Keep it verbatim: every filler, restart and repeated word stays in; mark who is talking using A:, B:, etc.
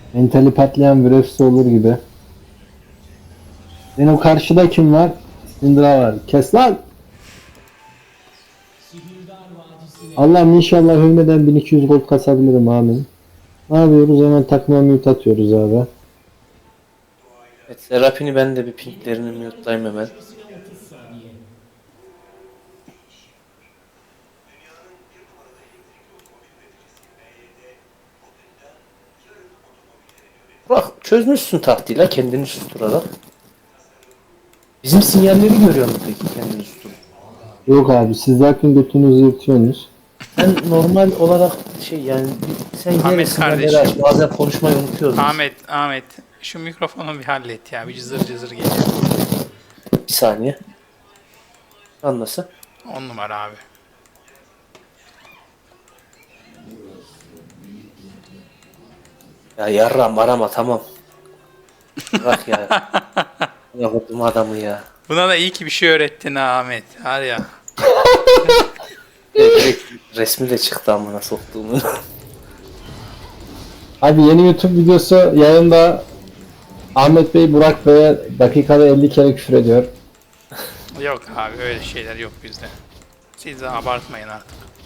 A: Mentali patlayan bir öfse olur gibi. Benim karşıda kim var? Syndra var. Kes lan! Allah'ım inşallah ölmeden bin iki yüz gol kasabilirim amin. Ne yapıyoruz? Hemen takıma mute atıyoruz abi.
B: Evet, Serapini ben de bir pinklerini mute'layım hemen. Bak çözmüşsün taktiğiyle kendini susturarak. Bizim sinyalleri görüyor musun peki kendini susturup?
A: Yok abi siz zaten götünüzü yırtıyorsunuz.
B: Sen normal olarak şey yani bir- sen yine
C: Ahmet
B: sinyalleri
C: kardeşim.
B: aç. Bazen konuşmayı unutuyoruz.
C: Ahmet, Ahmet. Şu mikrofonu bir hallet ya. Bir cızır cızır geliyor.
B: Bir saniye. Anlasın.
C: On numara abi.
B: Ya yarram arama tamam. Bırak ya. Yaptım adamı ya.
C: Buna da iyi ki bir şey öğrettin ha Ahmet. Var ya.
B: Evet, direkt resmi de çıktı amına soktuğumu.
A: Abi yeni YouTube videosu yayında Ahmet Bey Burak Bey'e dakikada elli kere küfür ediyor.
C: Yok abi öyle şeyler yok bizde. Siz de abartmayın artık.